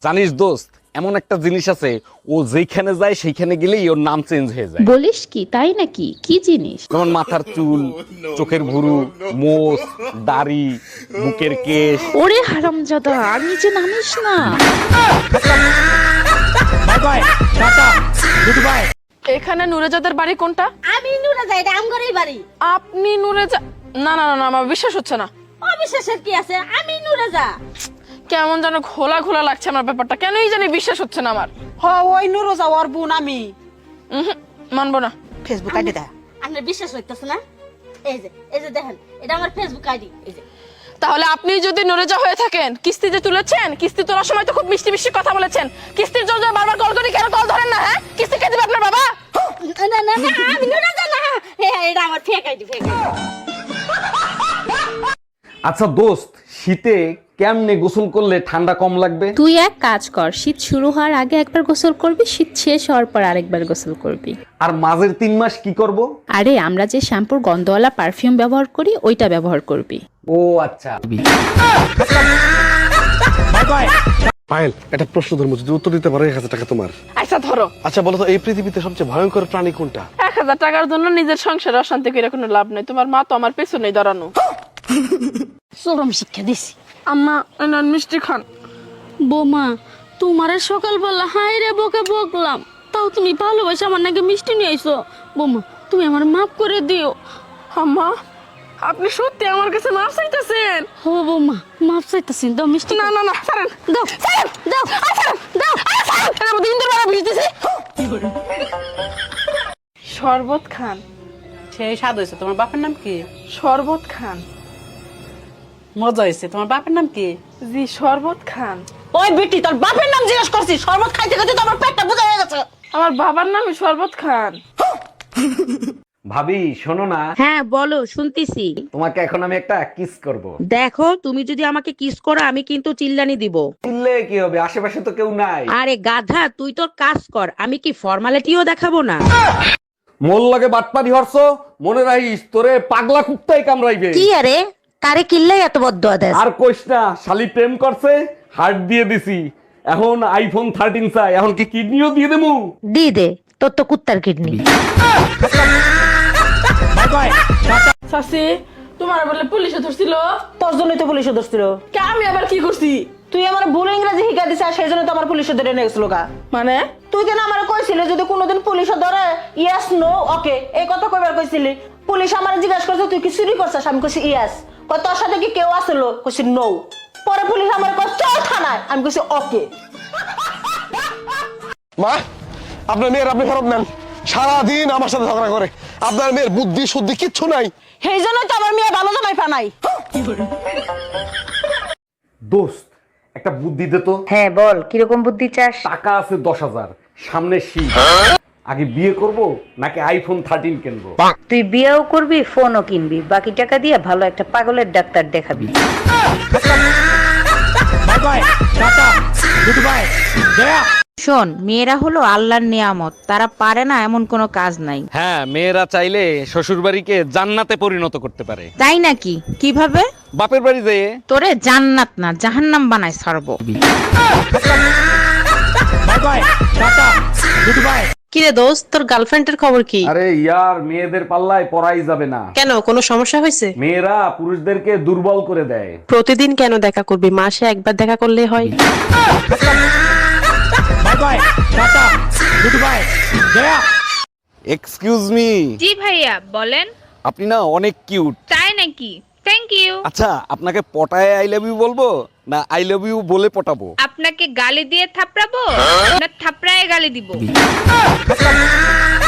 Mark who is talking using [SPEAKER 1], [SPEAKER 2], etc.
[SPEAKER 1] জানিস দোস্ত, এমন একটা জিনিস আছে, ও যেখানে যায় সেইখানে গেলেই ওর নাম চেঞ্জ হয়ে যায়।
[SPEAKER 2] বলিস কি? তাই নাকি? কি জিনিস?
[SPEAKER 1] যেমন মাথার চুল, চোখের ভুরু, মোষ, দাড়ি, বুকের কেশ।
[SPEAKER 2] ওরে হারামজাদা, আর নিচে নামিস না।
[SPEAKER 3] এখানে নুরেজাদের বাড়ি কোনটা?
[SPEAKER 4] আমি নুরেজা, এটা আমগরেই বাড়ি।
[SPEAKER 3] আপনি নুরেজা? না না না না, আমার বিশ্বাস হচ্ছে না।
[SPEAKER 4] অবিশ্বাসের কি আছে? আমি নুরেজা।
[SPEAKER 3] কেমন যেন ঘোলা ঘোলা লাগছে আমার ব্যাপারটা, কেনই জানি বিশ্বাস হচ্ছে না আমার।
[SPEAKER 5] ওই নুরোজা ওর বোন আমি।
[SPEAKER 3] মানবো না।
[SPEAKER 5] ফেসবুক আইডি দা।
[SPEAKER 4] আপনার বিশ্বাস হইতেছে না? এই যে দেখেন, এটা আমার ফেসবুক আইডি। এই যে
[SPEAKER 3] তাহলে আপনি যদি নুরেজা হয়ে থাকেন, কিস্তি যে তুলেছেন, কিস্তি তোলার সময় তো খুব মিষ্টি মিষ্টি কথা বলেছেন। কিস্তির জন্য বারবার কল করি, কেন কল ধরেন না? হ্যাঁ, কিস্তি কে দিবে আপনার বাবা?
[SPEAKER 4] না না না, আমি নুরেজা না। এটা আমার ফেক আইডি, ফেক আইডি।
[SPEAKER 1] আচ্ছা দোস্ত, শীতে কেমনে গোসল করলে ঠান্ডা কম লাগবে?
[SPEAKER 2] তুই এক কাজ কর, শীত শুরু হওয়ার আগে একবার গোসল করবি, শীত শেষ হওয়ার পর আরেকবার গোসল করবি।
[SPEAKER 1] আর মাঝের 3 মাস কি করব?
[SPEAKER 2] আরে আমরা যে শ্যাম্পুর গন্ধওয়ালা পারফিউম ব্যবহার করি, ওইটা ব্যবহার করবি।
[SPEAKER 1] ও আচ্ছা।
[SPEAKER 6] পায়েল, একটা প্রশ্ন ধর্ম যদি উত্তর দিতে পারো 1000 টাকা তোমার।
[SPEAKER 3] আচ্ছা ধরো।
[SPEAKER 6] আচ্ছা বলো তো, এই পৃথিবীতে সবচেয়ে ভয়ঙ্কর প্রাণী কোনটা?
[SPEAKER 3] 1000 টাকার জন্য নিজের সংসারে অশান্তি করে কোনো লাভ নেই। তোমার মা তো আমার পেছনেই দাঁড়ানো।
[SPEAKER 4] চরম শিক্ষা দিছি।
[SPEAKER 3] আম্মা এনান মিষ্টি খান।
[SPEAKER 4] বৌমা, তোমারে সকালবেলা হাই রে বকে বকলাম, তাও তুমি ভালোবাসে আমার নাকি মিষ্টি নিয়ে আইছো। বৌমা, তুমি আমার মাফ করে দিও।
[SPEAKER 3] আম্মা, আপনি সত্যি আমার কাছে মাফ চাইতেছেন?
[SPEAKER 4] হো বৌমা, মাফ চাইতেছি, দাও মিষ্টি।
[SPEAKER 3] না না না, ছাড়েন।
[SPEAKER 4] দাও
[SPEAKER 3] ছাড়েন,
[SPEAKER 4] দাও
[SPEAKER 3] ছাড়েন, দাও। এর মধ্যে ইন্দুর বাড়া ভিজতেছে। শরবত খান।
[SPEAKER 5] সেই স্বাদ হয়েছে। তোমার বাপের নাম কি?
[SPEAKER 3] শরবত খান।
[SPEAKER 5] মজা হয়েছে। তোমার বাপের নাম কি?
[SPEAKER 3] জি, শরবত খান।
[SPEAKER 5] ওই বেটি, তোর বাপের নাম জিজ্ঞেস করছি। শরবত খাইতে খাইতে তো আমার পেটটা বোঝা হয়ে গেছে।
[SPEAKER 3] আমার বাবার নামই শরবত খান।
[SPEAKER 1] ভাবি শোনো না,
[SPEAKER 7] হ্যাঁ বলো, শুনতেছি।
[SPEAKER 1] তোমাকে এখন আমি একটা কিস করব।
[SPEAKER 7] দেখো, তুমি যদি আমাকে কিস করো আমি কিন্তু চিল্লানি দিব।
[SPEAKER 1] চিল্লে কি হবে, আশেপাশে তো কেউ নাই।
[SPEAKER 7] আরে গাধা, তুই তোর কাজ কর, আমি কি ফর্মালিটিও দেখাবো না?
[SPEAKER 1] মোল লাগে বাটপারি হরছ, মনে রাখিস তোরে পাগলা কুত্তাই কামড়াইবে।
[SPEAKER 7] কি আরে, কারে কিল্লাই এত বদদোয়া দেস?
[SPEAKER 1] আর কইস না, শালি প্রেম করছে, হার্ট দিয়ে দিছি, এখন আইফোন 13 চাই, এখন কি কিডনিও দিয়ে দেবো?
[SPEAKER 7] দি দে, তোর তো কুত্তার কিডনি।
[SPEAKER 3] শাসি, তোমার বলে পুলিশে ধরছিল?
[SPEAKER 5] তোর জন্যই তো পুলিশে ধরছিল।
[SPEAKER 3] কে, আমি আবার কি করছি?
[SPEAKER 5] তুই আমার ভুল ইংরেজি শিখা দিছিস, আর সেই জন্য তো আমার পুলিশে ধরে নিয়ে গেছিল গা।
[SPEAKER 3] মানে
[SPEAKER 5] তুই কেন আমার কইছিলি যদি কোনোদিন পুলিশে ধরে, ইয়েস নো ওকে এই কথা কইবার কইছিলি। পুলিশ আমার জিজ্ঞাসা করছে তুই কি চুরি করছিস, আমি কইছি ইয়েস। কই তোর সাথে কি কেউ আসলো, কইছি নো। পরে পুলিশ আমার কই চল থানায়, আমি কইছি ওকে।
[SPEAKER 6] মা, আপনার মেয়ের আপনি ফেরত নেন। সারাদিন আমার সাথে ঝগড়া করে। আপনার মেয়ের বুদ্ধি শুদ্ধি কিচ্ছু নাই।
[SPEAKER 5] সেই জন্যই তো আমার মেয়ে ভালো জামাই পানাই।
[SPEAKER 1] দোস্ত, একটা বুদ্ধি দে তো।
[SPEAKER 7] হ্যাঁ বল, কিরকম বুদ্ধি চাস?
[SPEAKER 1] টাকা আছে 10,000, সামনে শীত, আগে বিয়ে করব নাকি আইফোন 13 কিনবো?
[SPEAKER 7] তুই বিয়েও করবি, ফোনও কিনবি, বাকি টাকা দিয়ে ভালো একটা পাগলের ডাক্তার দেখাবি। শোন, মেয়েরা হলো আল্লাহর নিয়ামত, তারা পারে না এমন কোনো কাজ নাই।
[SPEAKER 1] হ্যাঁ, মেয়েরা চাইলে শ্বশুর বাড়িকে জান্নাতে পরিণত করতে পারে।
[SPEAKER 7] তাই নাকি? কিভাবে?
[SPEAKER 1] বাপের বাড়ি যেয়ে।
[SPEAKER 7] তোরে জান্নাত না জাহান্নাম বানায় ছাড়বো।
[SPEAKER 8] কিরে দোস্ত, তোর গার্লফ্রেন্ডের খবর কি?
[SPEAKER 1] আরে ইয়ার, মেয়েদের পাল্লায় পড়াই যাবে না।
[SPEAKER 8] কেন, কোনো সমস্যা হয়েছে?
[SPEAKER 1] মেয়েরা পুরুষদেরকে দুর্বল করে দেয়।
[SPEAKER 8] প্রতিদিন কেন দেখা করবি? মাসে একবার দেখা করলে হয়।
[SPEAKER 1] Excuse me.
[SPEAKER 9] জি ভাইয়া, বলেন।
[SPEAKER 1] আপনি না অনেক কিউট।
[SPEAKER 9] তাই নাকি? Thank you.
[SPEAKER 1] আচ্ছা, আপনাকে পটায় আই লাভ ইউ বলবো না আই লাভ ইউ বলে পটাবো?
[SPEAKER 9] আপনাকে গালি দিয়ে থাপড়াবো না থাপড়ায় গালি দিব?